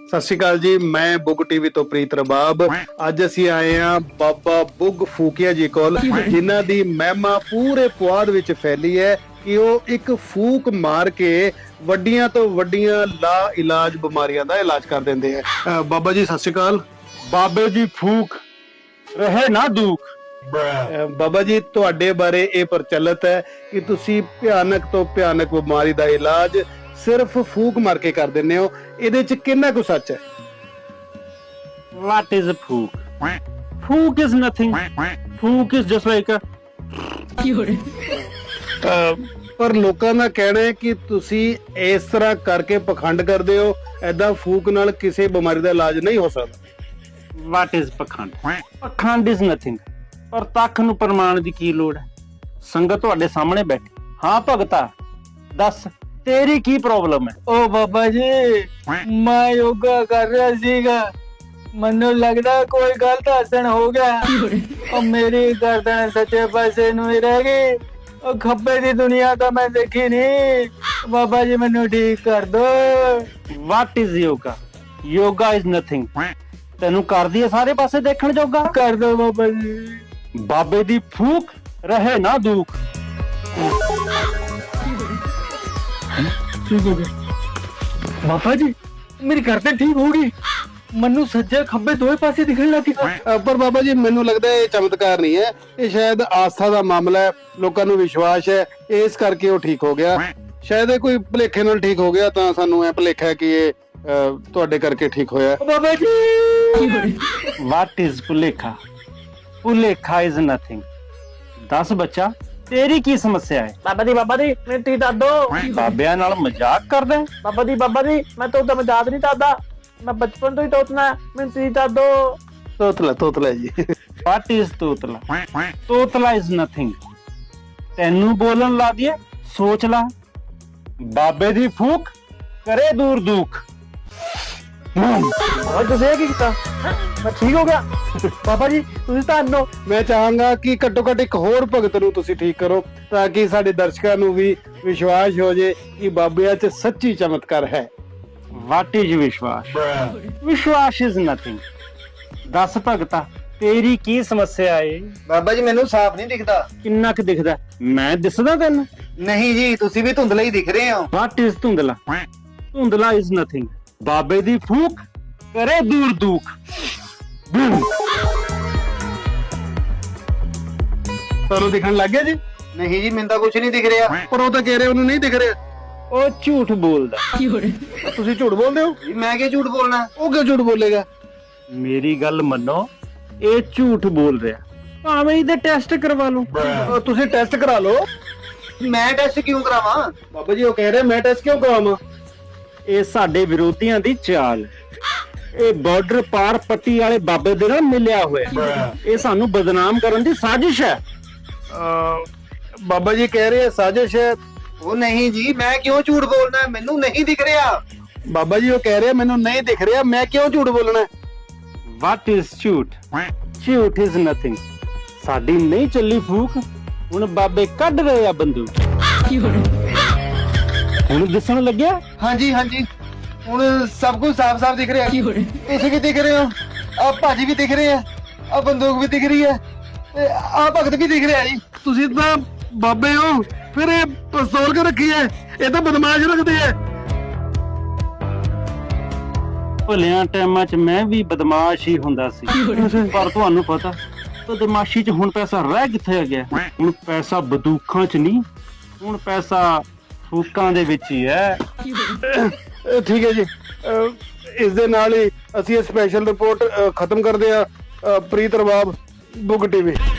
ਸਤਿ ਸ਼੍ਰੀ ਅਕਾਲ ਜੀ, ਮੈਂ ਬੁੱਗ ਟੀਵੀ ਤੋਂ ਪ੍ਰੀਤ ਰਬਾਬ। ਅੱਜ ਅਸੀਂ ਆਏ ਆ ਬਾਬਾ ਬੁੱਗ ਫੂਕਿਆ ਜੀ ਕੋਲ, ਜਿਨ੍ਹਾਂ ਦੀ ਮਹਿਮਾ ਪੂਰੇ ਪੁਆਧ ਵਿੱਚ ਫੈਲੀ ਹੈ ਕਿ ਉਹ ਇੱਕ ਫੂਕ ਮਾਰ ਕੇ ਵੱਡੀਆਂ ਤੋਂ ਵੱਡੀਆਂ ਲਾ ਇਲਾਜ ਬਿਮਾਰੀਆਂ ਦਾ ਇਲਾਜ ਕਰ ਦਿੰਦੇ ਆ। ਬਾਬਾ ਜੀ ਸਤਿ ਸ਼੍ਰੀ ਅਕਾਲ। ਬਾਬੇ ਦੀ ਫੂਕ ਰਹੇ ਨਾ ਦੁੱਖ। ਬਾਬਾ ਜੀ ਤੁਹਾਡੇ ਬਾਰੇ ਇਹ ਪ੍ਰਚਲਿਤ ਹੈ ਕਿ ਤੁਸੀਂ ਭਿਆਨਕ ਤੋਂ ਭਿਆਨਕ ਬਿਮਾਰੀ ਦਾ ਇਲਾਜ ਸਿਰਫ ਫੂਕ ਮਾਰ ਕੇ ਕਰ ਦਿੰਦੇ ਹੋ, ਇਹਦੇ ਚ ਕਿੰਨਾ ਕੁ ਸੱਚ ਹੈ? What is a ਫੂਕ? ਫੂਕ is nothing. ਫੂਕ is just like a ਪਰ ਲੋਕਾਂ ਦਾ ਕਹਿਣਾ ਹੈ ਕਿ ਤੁਸੀਂ ਇਸ ਤਰ੍ਹਾਂ ਕਰਕੇ ਪਖੰਡ ਕਰਦੇ ਹੋ, ਐਦਾਂ ਫੂਕ ਨਾਲ ਕਿਸੇ ਬਿਮਾਰੀ ਦਾ ਇਲਾਜ ਨਹੀਂ ਹੋ ਸਕਦਾ। What is ਪਖੰਡ? ਪਖੰਡ is nothing. ਪਰ ਤੱਕ ਨੂੰ ਪ੍ਰਮਾਣ ਦੀ ਕੀ ਲੋੜ ਹੈ? ਸੰਗਤ ਤੁਹਾਡੇ ਸਾਹਮਣੇ ਬੈਠੀ। ਹਾਂ ਭਗਤਾ, ਦੱਸ ਤੇਰੀ ਕੀ ਪ੍ਰੋਬਲਮ ਹੈ? ਓ ਬਾਬਾ ਜੀ, ਮੈਂ ਯੋਗਾ ਕਰ ਰਿਹਾ ਸੀਗਾ, ਮੈਨੂੰ ਲੱਗਦਾ ਕੋਈ ਗਲਤ ਆਸਣ ਹੋ ਗਿਆ। ਉਹ ਮੇਰੀ ਗਰਦਨ ਸੱਚੇ ਪਾਸੇ ਨੂੰ ਹੀ ਰਹਿ ਗਈ, ਉਹ ਖੱਬੇ ਦੀ ਦੁਨੀਆ ਤਾਂ ਮੈਂ ਦੇਖੀ ਨਹੀਂ। ਬਾਬਾ ਜੀ ਮੈਨੂੰ ਠੀਕ ਕਰ ਦੋ। What is yoga? Yoga is nothing. ਤੈਨੂੰ ਕਰਦੀ ਹੈ ਸਾਰੇ ਪਾਸੇ ਦੇਖਣ ਜੋਗਾ। ਕਰ ਦੋ ਬਾਬਾ ਜੀ। ਬਾਬੇ ਦੀ ਫੂਕ ਰਹੇ ਨਾ ਦੁੱਖ। ਠੀਕ ਹੋ ਗਿਆ ਬਾਬਾ ਜੀ, ਮੇਰੀ ਗਰਦਨ ਠੀਕ ਹੋ ਗਈ, ਮੈਨੂੰ ਸੱਜੇ ਖੱਬੇ ਦੋਵੇਂ ਪਾਸੇ ਦਿਖਣ ਲੱਗੀ। ਪਰ ਬਾਬਾ ਜੀ ਮੈਨੂੰ ਲੱਗਦਾ ਇਹ ਚਮਤਕਾਰ ਨਹੀਂ ਹੈ, ਇਹ ਸ਼ਾਇਦ ਆਸਥਾ ਦਾ ਮਾਮਲਾ ਹੈ, ਲੋਕਾਂ ਨੂੰ ਵਿਸ਼ਵਾਸ ਹੈ, ਇਸ ਕਰਕੇ ਉਹ ਠੀਕ ਹੋ ਗਿਆ। ਸ਼ਾਇਦ ਇਹ ਕੋਈ ਭੁਲੇਖੇ ਨਾਲ ਠੀਕ ਹੋ ਗਿਆ, ਤਾਂ ਸਾਨੂੰ ਇਹ ਭੁਲੇਖਾ ਹੈ ਕਿ ਇਹ ਤੁਹਾਡੇ ਕਰਕੇ ਠੀਕ ਹੋਇਆ। ਬਾਬਾ ਜੀ What is ਭੁਲੇਖਾ? ਭੁਲੇਖਾ is nothing. ਦੱਸ ਬੱਚਾ, ਤੇਰੀ ਕੀ ਸਮੱਸਿਆ ਹੈ? ਬਾਬਾ ਜੀ ਮੈਨੂੰ ਠੀਕ ਦੱਸ ਦੋ। ਬਾਬਿਆਂ ਨਾਲ ਮਜ਼ਾਕ ਕਰਦਾ ਹੈ? ਬਾਬਾ ਜੀ ਮੈਂ ਤਾਂ ਉਹਦਾ ਮਜ਼ਾਕ ਨਹੀਂ ਕਰਦਾ, ਮੈਂ ਬਚਪਨ ਤੋਂ ਹੀ ਤੋਤਨਾ, ਮੈਨੂੰ ਠੀਕ ਦੱਸ ਦੋ। ਤੋਤਲਾ ਜੀ। What is ਤੋਤਲਾ? ਤੋਤਲਾ is nothing. ਤੈਨੂੰ ਬੋਲਣ ਲਾ ਦਿਏ, ਸੋਚ ਲਾ। ਬਾਬੇ ਦੀ ਫੂਕ ਕਰੇ ਦੂਰ ਦੁੱਖ। ਤੁਸੀਂ ਇਹ ਕੀ ਕੀਤਾ? ਮੈਂ ਠੀਕ ਹੋ ਗਿਆ। ਬਾਬਾ ਜੀ ਤੁਸੀਂ ਧੰਨੋ। ਮੈਂ ਚਾਹਾਂਗਾ ਕਿ ਘੱਟੋ ਘੱਟ ਇੱਕ ਹੋਰ ਭਗਤ ਨੂੰ ਤੁਸੀਂ ਠੀਕ ਕਰੋ, ਤਾਂ ਕਿ ਸਾਡੇ ਦਰਸ਼ਕਾਂ ਨੂੰ ਵੀ ਵਿਸ਼ਵਾਸ ਹੋ ਜੇ ਕਿ ਬਾਬਿਆਂ 'ਚ ਸੱਚੀ ਚਮਤਕਾਰ ਹੈ। What is ਵਿਸ਼ਵਾਸ? ਵਿਸ਼ਵਾਸ is nothing. ਦੱਸ ਭਗਤਾ, ਤੇਰੀ ਕੀ ਸਮੱਸਿਆ ਏ? ਬਾਬਾ ਜੀ ਮੈਨੂੰ ਸਾਫ਼ ਨਹੀਂ ਦਿਖਦਾ। ਕਿੰਨਾ ਕੁ ਦਿਖਦਾ? ਮੈਂ ਦਿਸਦਾ ਤੈਨੂੰ? ਨਹੀਂ ਜੀ, ਤੁਸੀਂ ਵੀ ਧੁੰਦਲੇ ਹੀ ਦਿਖ ਰਹੇ ਹੋ। What is ਧੁੰਦਲਾ? ਧੁੰਦਲਾ is nothing. ਬਾਬੇ ਦੀ ਫੂਕ ਕਰੇ ਦੂਰ ਦੁੱਖ। ਤੁਹਾਨੂੰ ਦਿਖਣ ਲੱਗ ਗਿਆ ਜੀ? ਨਹੀਂ ਜੀ, ਮੈਨੂੰ ਤਾਂ ਕੁਝ ਨਹੀਂ ਦਿਖ ਰਿਹਾ। ਪਰ ਉਹ ਤਾਂ ਕਹਿ ਰਹੇ ਉਹਨੂੰ ਨਹੀਂ ਦਿਖ ਰਿਹਾ। ਉਹ ਝੂਠ ਬੋਲਦਾ। ਤੁਸੀਂ ਝੂਠ ਬੋਲਦੇ ਹੋ? ਜੀ ਮੈਂ ਕਿਉਂ ਝੂਠ ਬੋਲਣਾ? ਉਹ ਕਿਉਂ ਝੂਠ ਬੋਲੇਗਾ? ਮੇਰੀ ਗੱਲ ਮੰਨੋ, ਇਹ ਝੂਠ ਬੋਲ ਰਿਹਾ। ਭਾਵੇਂ ਇਹਦੇ ਟੈਸਟ ਕਰਵਾ ਲਓ। ਤੁਸੀਂ ਟੈਸਟ ਕਰਾ ਲਓ। ਮੈਂ ਟੈਸਟ ਕਿਉਂ ਕਰਾਵਾਂ? ਬਾਬਾ ਜੀ ਉਹ ਕਹਿ ਰਹੇ ਮੈਂ ਟੈਸਟ ਕਿਉਂ ਕਰਾਵਾਂ? ਇਹ ਸਾਡੇ ਵਿਰੋਧੀਆਂ ਦੀ ਚਾਲ। ਇਹ ਬਾਰਡਰ ਪਾਰ ਪੱਟੀ ਵਾਲੇ ਬਾਬੇ ਦੇ ਨਾਲ ਮਿਲਿਆ ਹੋਇਆ। ਇਹ ਸਾਨੂੰ ਬਦਨਾਮ ਕਰਨ ਦੀ ਸਾਜ਼ਿਸ਼ ਹੈ। ਬਾਬਾ ਜੀ ਕਹਿ ਰਹੇ ਸਾਜ਼ਿਸ਼ ਹੈ। ਉਹ ਨਹੀਂ ਜੀ, ਮੈਂ ਕਿਉਂ ਝੂਠ ਬੋਲਣਾ? ਮੈਨੂੰ ਨਹੀਂ ਦਿਖ ਰਿਹਾ। ਬਾਬਾ ਜੀ ਉਹ ਕਹਿ ਰਹੇ ਮੈਨੂੰ ਨਹੀਂ ਦਿਖ ਰਿਹਾ, ਮੈਂ ਕਿਉਂ ਝੂਠ ਬੋਲਣਾ? What is ਝੂਠ? ਝੂਠ is nothing. ਸਾਡੀ ਨਹੀਂ ਚੱਲੀ ਫੂਕ, ਹੁਣ ਬਾਬੇ ਕੱਢ ਰਹੇ ਆ ਬੰਦੂਕ। ਹੁਣ ਦਿਸਣ ਲੱਗਿਆ? ਹਾਂਜੀ ਹੁਣ ਸਭ ਕੁਝ ਸਾਫ਼-ਸਾਫ਼ ਦਿਖ ਰਿਹਾ। ਤੁਸੀਂ ਵੀ ਦਿਖ ਰਹੇ ਹੋ, ਆ ਭਾਜੀ ਵੀ ਦਿਖ ਰਹੇ ਆ, ਆ ਬੰਦੂਕ ਵੀ ਦਿਖ ਰਹੀ ਹੈ, ਤੇ ਆ ਭਗਤ ਵੀ ਦਿਖ ਰਿਹਾ ਜੀ। ਤੁਸੀਂ ਤਾਂ ਬਾਬੇ ਹੋ, ਫਿਰ ਇਹ ਪਿਸਤੌਲ ਕਿਉਂ ਰੱਖੀ ਹੈ? ਇਹ ਤਾਂ ਬਦਮਾਸ਼ ਰੱਖਦੇ ਆ। ਭਲਿਆਂ ਟਾਈਮਾਂ 'ਚ ਮੈਂ ਵੀ ਬਦਮਾਸ਼ ਹੀ ਹੁੰਦਾ ਸੀ, ਪਰ ਤੁਹਾਨੂੰ ਪਤਾ ਬਦਮਾਸ਼ੀ 'ਚ ਹੁਣ ਪੈਸਾ ਰਹਿ ਕਿੱਥੇ ਗਿਆ? ਹੁਣ ਪੈਸਾ ਬੰਦੂਕਾਂ 'ਚ ਨਹੀਂ, ਹੁਣ ਪੈਸਾ ਫੂਕਾਂ ਦੇ ਵਿੱਚ ਹੀ ਹੈ। ਠੀਕ ਹੈ ਜੀ, ਇਸ ਦੇ ਨਾਲ ਹੀ ਅਸੀਂ ਇਹ ਸਪੈਸ਼ਲ ਰਿਪੋਰਟ ਖਤਮ ਕਰਦੇ ਆ। ਪ੍ਰੀਤ ਰਬਾਬ, ਬੁੱਗ ਟੀਵੀ।